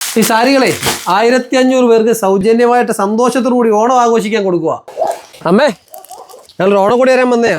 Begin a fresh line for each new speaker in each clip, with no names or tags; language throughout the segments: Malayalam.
ഈ സാരികളെ 1500 പേർക്ക് സൗജന്യമായിട്ട് സന്തോഷത്തോടു കൂടി ഓണം ആഘോഷിക്കാൻ കൊടുക്കുക. അമ്മേ, ഞങ്ങൾ ഓണക്കോടി വരാൻ വന്നയാ.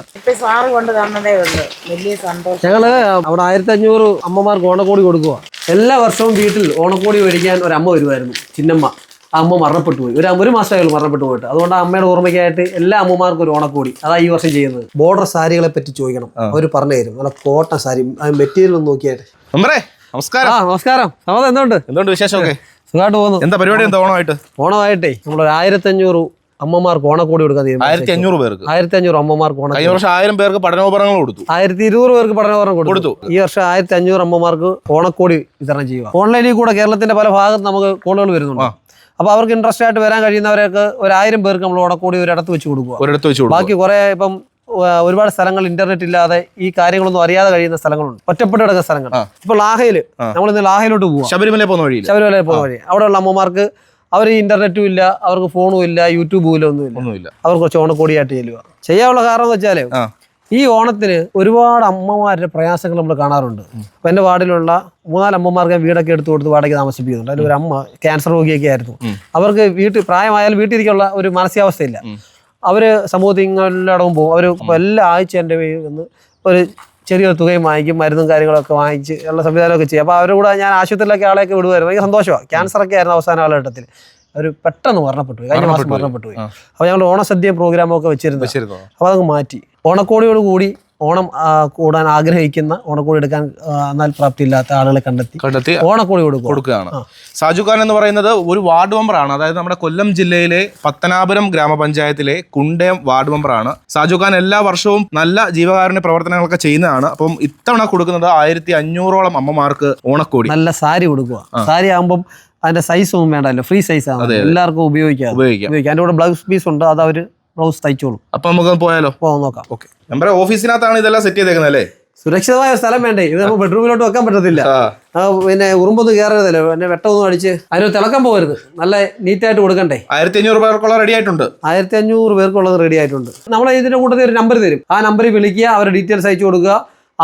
ഞങ്ങള് അവിടെ 1500 അമ്മമാർക്ക് ഓണക്കോടി കൊടുക്കുക. എല്ലാ വർഷവും വീട്ടിൽ ഓണക്കോടി മേടിക്കാൻ ഒരു അമ്മ വരുമായിരുന്നു, ചിന്നമ്മ. ആ അമ്മ മരണപ്പെട്ടു പോയി. ഒരു മാസമായാലും മരണപ്പെട്ടു പോയിട്ട്. അതുകൊണ്ട് ആ അമ്മയുടെ ഓർമ്മയ്ക്കായിട്ട് എല്ലാ അമ്മമാർക്കും ഒരു ഓണക്കോടി. അതാ ഈ വർഷം ചെയ്യുന്നത്. ബോർഡർ സാരികളെ പറ്റി ചോദിക്കണം, അവർ പറഞ്ഞു തരും. നല്ല കോട്ടൺ സാരി, മെറ്റീരിയൽ ഒന്ന് നോക്കിയായിട്ട്.
നമസ്കാരം.
നമസ്കാരം. സമയം എന്തുകൊണ്ട്
വിശേഷമൊക്കെ?
സുഖമായിട്ട് പോകുന്നു.
എന്താ പരിപാടി? എന്താ
ഓണമായിട്ടേ നമ്മളൊരു 1500 അമ്മമാർക്ക് ഓണക്കോടി കൊടുക്കാൻ തീരുമാനിച്ചു.
1500 പേർക്ക്
1500 അമ്മമാർക്ക് ഓണം.
കഴിഞ്ഞ വർഷം 1000 പേർക്ക് പഠനോപകരണങ്ങൾ കൊടുത്തു.
1200 പേർക്ക് പഠനോപകരണം കൊടുത്തു. ഈ വർഷം 1500 അമ്മമാർക്ക് ഓണക്കോടി വിതരണം ചെയ്യുക. ഓൺലൈനിൽ കൂടെ കേരളത്തിന്റെ പല ഭാഗത്ത് നമുക്ക് കോളുകൾ വരുന്നുണ്ട്. അപ്പോൾ അവർക്ക് ഇൻട്രസ്റ്റ് ആയിട്ട് വരാൻ കഴിയുന്നവരൊക്കെ 1000 പേർക്ക് നമ്മൾ ഓണക്കോടി ഒരിടത്ത് വെച്ച് കൊടുക്കുക. ബാക്കി കുറെ ഇപ്പം ഒരുപാട് സ്ഥലങ്ങൾ ഇന്റർനെറ്റ് ഇല്ലാതെ ഈ കാര്യങ്ങളൊന്നും അറിയാതെ കഴിയുന്ന സ്ഥലങ്ങളുണ്ട്, ഒറ്റപ്പെട്ട് കിടക്കുന്ന സ്ഥലങ്ങൾ. ഇപ്പോൾ ലാഹയില് നമ്മളിന്ന് ലാഹയിലോട്ട് പോവാം,
ശബരിമല പോകുന്ന വഴി.
അവിടെയുള്ള അമ്മമാർക്ക് അവർ ഇന്റർനെറ്റും ഇല്ല, അവർക്ക് ഫോണും ഇല്ല, യൂട്യൂബും ഇല്ല, ഒന്നുമില്ല. അവർ കുറച്ച് ഓണക്കോടിയായിട്ട് ചെല്ലുക. ചെയ്യാനുള്ള കാരണം എന്ന് വെച്ചാല് ഈ ഓണത്തിന് ഒരുപാട് അമ്മമാരുടെ പ്രയാസങ്ങൾ നമ്മൾ കാണാറുണ്ട്. അപ്പൊ എന്റെ വാർഡിലുള്ള 3-4 അമ്മമാർക്ക് വീടൊക്കെ എടുത്തു കൊടുത്ത് വാടകയ്ക്ക് താമസിപ്പിക്കുന്നുണ്ട്. അതിൽ ഒരു അമ്മ ക്യാൻസർ രോഗിയൊക്കെ ആയിരുന്നു. അവർക്ക് പ്രായമായാലും വീട്ടിലിരിക്കാനുള്ള ഒരു മാനസികാവസ്ഥയില്ല. അവര് സമൂഹത്തിലടവും പോകും. അവർ എല്ലാ ആഴ്ച എൻ്റെ വന്ന് ഒരു ചെറിയൊരു തുകയും വാങ്ങിക്കും, മരുന്നും കാര്യങ്ങളൊക്കെ വാങ്ങിച്ച് ഉള്ള സംവിധാനമൊക്കെ ചെയ്യും. അപ്പോൾ അവരുടെ കൂടെ ഞാൻ ആശുപത്രിയിലൊക്കെ ആളെയൊക്കെ വിടുമായിരുന്നു. ഭയങ്കര സന്തോഷമാണ്. ക്യാൻസറൊക്കെ ആയിരുന്നു അവസാന കാലഘട്ടത്തിൽ. അവർ പെട്ടെന്ന് മരണപ്പെട്ടു പോയി, കഴിഞ്ഞ മാസം മരണപ്പെട്ടു പോയി. അപ്പോൾ ഞങ്ങൾ ഓണസദ്യ പ്രോഗ്രാമൊക്കെ വെച്ചിരുന്നു. അപ്പോൾ അതങ്ങ് മാറ്റി. ഓണക്കോടിയോട് കൂടി ഓണം കൂടാൻ ആഗ്രഹിക്കുന്ന, ഓണക്കോടി എടുക്കാൻ എന്നാൽ പ്രാപ്തി ഇല്ലാത്ത ആളുകളെ കണ്ടെത്തി ഓണക്കോടി കൊടുക്കുകയാണ്.
സാജു ഖാൻ എന്ന് പറയുന്നത് ഒരു വാർഡ് മെമ്പറാണ്. അതായത് നമ്മുടെ കൊല്ലം ജില്ലയിലെ പത്തനാപുരം ഗ്രാമപഞ്ചായത്തിലെ കുണ്ടയം വാർഡ് മെമ്പറാണ് സാജു ഖാൻ. എല്ലാ വർഷവും നല്ല ജീവകാരുണ്യ പ്രവർത്തനങ്ങളൊക്കെ ചെയ്യുന്നതാണ്. അപ്പം ഇത്തവണ കൊടുക്കുന്നത് 1500ഓളം അമ്മമാർക്ക് ഓണക്കോടി.
നല്ല സാരി കൊടുക്കുക. സാരി ആകുമ്പം അതിന്റെ സൈസ് ഒന്നും വേണ്ടല്ലോ, ഫ്രീ സൈസ് ആണ്, എല്ലാവർക്കും ഉപയോഗിക്കാം. അതിന്റെ കൂടെ ബ്ലൗസ് പീസ് ഉണ്ട്, അത് അവര് ബ്ലൗസ് തയ്ച്ചോളും.
അപ്പൊ നമുക്ക് പോയാലോ?
നോക്കാം.
ഓക്കെ. നമ്മുടെ ഓഫീസിനകത്താണ് ഇതെല്ലാം സെറ്റ് ചെയ്തേക്കുന്നത് അല്ലേ?
സുരക്ഷിതമായ സ്ഥലം വേണ്ടേ? ഇത് നമുക്ക് ബെഡ്റൂമിലോട്ട് വെക്കാൻ പറ്റത്തില്ല. പിന്നെ ഉറുമ്പൊന്നും കയറരുതല്ലോ, പിന്നെ വെട്ടമൊന്നും അടിച്ച് അതിന് തിളക്കം പോകരുത്. നല്ല നീറ്റായിട്ട് കൊടുക്കണ്ടേ.
1500 പേർക്കുള്ള റെഡി ആയിട്ടുണ്ട്.
1500 പേർക്കുള്ളത് റെഡി ആയിട്ടുണ്ട്. നമ്മൾ ഇതിന്റെ കൂട്ടത്തിൽ ഒരു നമ്പർ തരും. ആ നമ്പറിൽ വിളിക്കുക, അവരുടെ ഡീറ്റെയിൽസ് അയച്ചു കൊടുക്കുക.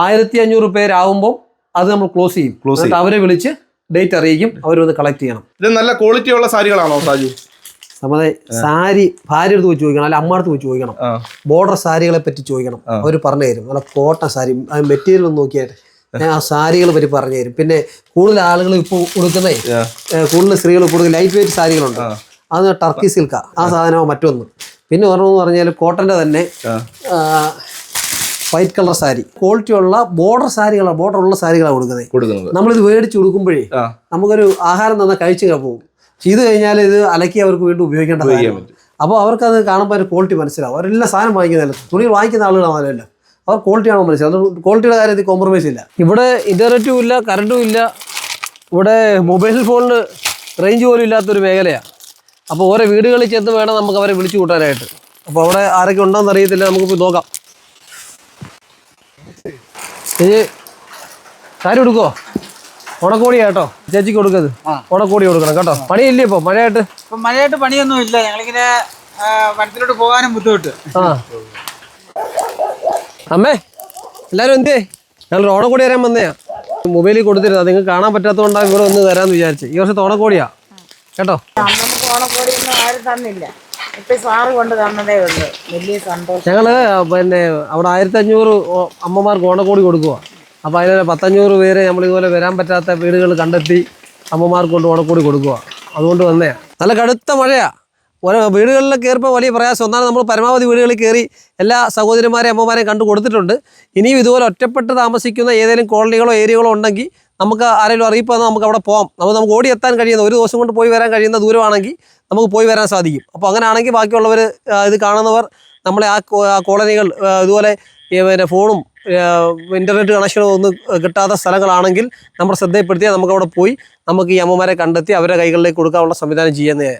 1500 പേരാകുമ്പോൾ അത് നമ്മൾ ക്ലോസ് ചെയ്യും. അവരെ വിളിച്ച് ഡേറ്റ് അറിയിക്കും, അവരൊന്ന് കളക്ട് ചെയ്യണം.
ഇത് നല്ല ക്വാളിറ്റി ഉള്ള സാരികളാണോ സാജു?
നമ്മുടെ സാരി ഭാര്യ അടുത്ത് പോയി ചോദിക്കണം, അല്ല അമ്മ അടുത്ത് പോയി ചോദിക്കണം. ബോർഡർ സാരികളെ പറ്റി ചോദിക്കണം, അവർ പറഞ്ഞു തരും. നല്ല കോട്ടൺ സാരി, മെറ്റീരിയൽ ഒന്ന് നോക്കിയായിട്ട് ഞാൻ ആ സാരികളെ പറ്റി പറഞ്ഞു തരും. പിന്നെ കൂടുതൽ ആളുകൾ ഇപ്പോൾ കൊടുക്കുന്നേ, കൂടുതൽ സ്ത്രീകൾ കൊടുക്കുന്ന ലൈറ്റ് വെയിറ്റ് സാരികളുണ്ട്. അത് ടർക്കി സിൽക്കാ, ആ സാധനമോ മറ്റൊന്ന്. പിന്നെ പറഞ്ഞെന്ന് പറഞ്ഞാൽ കോട്ടൻ്റെ തന്നെ വൈറ്റ് കളർ സാരി, ക്വാളിറ്റി ഉള്ള ബോർഡർ സാരികളാണ്, ബോർഡർ ഉള്ള സാരികളാണ് കൊടുക്കുന്നത്. നമ്മളിത് മേടിച്ച് കൊടുക്കുമ്പോഴേ നമുക്കൊരു ആഹാരം തന്നെ കഴിച്ചു പോകും. ചെയ്ത് കഴിഞ്ഞാൽ ഇത് അലക്കി അവർക്ക് വീണ്ടും ഉപയോഗിക്കേണ്ട കാര്യമാണ്. അപ്പോൾ അവർക്കത് കാണുമ്പോൾ ഒരു ക്വാളിറ്റി മനസ്സിലാവും. അവരെല്ലാം സാധനം വാങ്ങിക്കുന്നതല്ല, തുണി വാങ്ങിക്കുന്ന ആളുകളാണല്ലോ, അവർ ക്വാളിറ്റിയാണോ മനസ്സിലാവും. അതുകൊണ്ട് ക്വാളിറ്റിയുടെ കാര്യത്തിൽ കോംപ്രമൈസ് ഇല്ല. ഇവിടെ ഇന്റർനെറ്റും ഇല്ല, കറണ്ടും ഇല്ല. ഇവിടെ മൊബൈൽ ഫോണിന് റേഞ്ച് പോലും ഇല്ലാത്തൊരു മേഖലയാണ്. അപ്പോൾ ഓരോ വീടുകളിൽ ചെന്ന് വേണം നമുക്ക് അവരെ വിളിച്ചു കൂട്ടാനായിട്ട്. അപ്പോൾ അവിടെ ആരൊക്കെ ഉണ്ടോയെന്ന് അറിയത്തില്ല, നമുക്ക് പോയി നോക്കാം. സാരി കൊടുക്കുവോ? ഓണക്കോടി കേട്ടോ, ചേച്ചിക്ക് കൊടുക്കത്. ഓണക്കോടി കൊടുക്കണം കേട്ടോ. പണിയില്ലേ ഇപ്പൊ? മഴയായിട്ട്
പണിയൊന്നും ഇല്ല. ഞങ്ങളിങ്ങനെ വനത്തിലോട്ട് പോകാനും ബുദ്ധിമുട്ട്.
അമ്മേ, എല്ലാരും എന്തേ? ഞങ്ങൾ ഓണക്കോടി വരാൻ വന്നയാ. മൊബൈലിൽ കൊടുത്തിരുന്നു, അത് നിങ്ങൾക്ക് കാണാൻ പറ്റാത്തതുകൊണ്ടാണ് ഇവിടെ ഒന്ന് തരാന്ന് വിചാരിച്ചു. ഈ വർഷത്തെ ഓണക്കോടിയാ കേട്ടോ.
നമുക്ക് ഓണക്കോടിയൊന്നും ആരും തന്നില്ല, ഇപ്പൊ സാറ് കൊണ്ട് തന്നതേ ഉള്ളൂ. വലിയ സന്തോഷം.
ഞങ്ങള് പിന്നെ അവിടെ 1500 അമ്മമാർക്ക് ഓണക്കോടി കൊടുക്കുക. അപ്പോൾ അതിൽ 1500 പേര് നമ്മളിതുപോലെ വരാൻ പറ്റാത്ത വീടുകൾ കണ്ടെത്തി അമ്മമാർക്ക് കൊണ്ട് ഓണക്കോടി കൊടുക്കുക. അതുകൊണ്ട് വന്നേ. നല്ല കടുത്ത മഴയാണ്. ഓരോ വീടുകളിൽ കയറിപ്പോൾ വലിയ പ്രയാസം. ഒന്നാണ് നമ്മൾ പരമാവധി വീടുകളിൽ കയറി എല്ലാ സഹോദരിമാരെയും അമ്മമാരെയും കണ്ടു കൊടുത്തിട്ടുണ്ട്. ഇനിയും ഇതുപോലെ ഒറ്റപ്പെട്ട് താമസിക്കുന്ന ഏതെങ്കിലും കോളനികളോ ഏരിയകളോ ഉണ്ടെങ്കിൽ നമുക്ക് ആരെങ്കിലും അറിയിപ്പ് വന്നാൽ നമുക്ക് അവിടെ പോകാം. നമുക്ക് ഓടിയെത്താൻ കഴിയുന്ന, ഒരു ദിവസം കൊണ്ട് പോയി വരാൻ കഴിയുന്ന ദൂരമാണെങ്കിൽ നമുക്ക് പോയി വരാൻ സാധിക്കും. അപ്പോൾ അങ്ങനെയാണെങ്കിൽ ബാക്കിയുള്ളവർ ഇത് കാണുന്നവർ നമ്മളെ ആ കോളനികൾ ഇതുപോലെ പിന്നെ ഫോണും ഇൻ്റർനെറ്റ് കണക്ഷനും ഒന്നും കിട്ടാത്ത സ്ഥലങ്ങളാണെങ്കിൽ നമ്മൾ ശ്രദ്ധയിൽപ്പെടുത്തിയാൽ നമുക്ക് അവിടെ പോയി നമുക്ക് ഈ അമ്മമാരെ കണ്ടെത്തി അവരുടെ കൈകളിലേക്ക് കൊടുക്കാനുള്ള സംവിധാനം ചെയ്യുന്നതാണ്.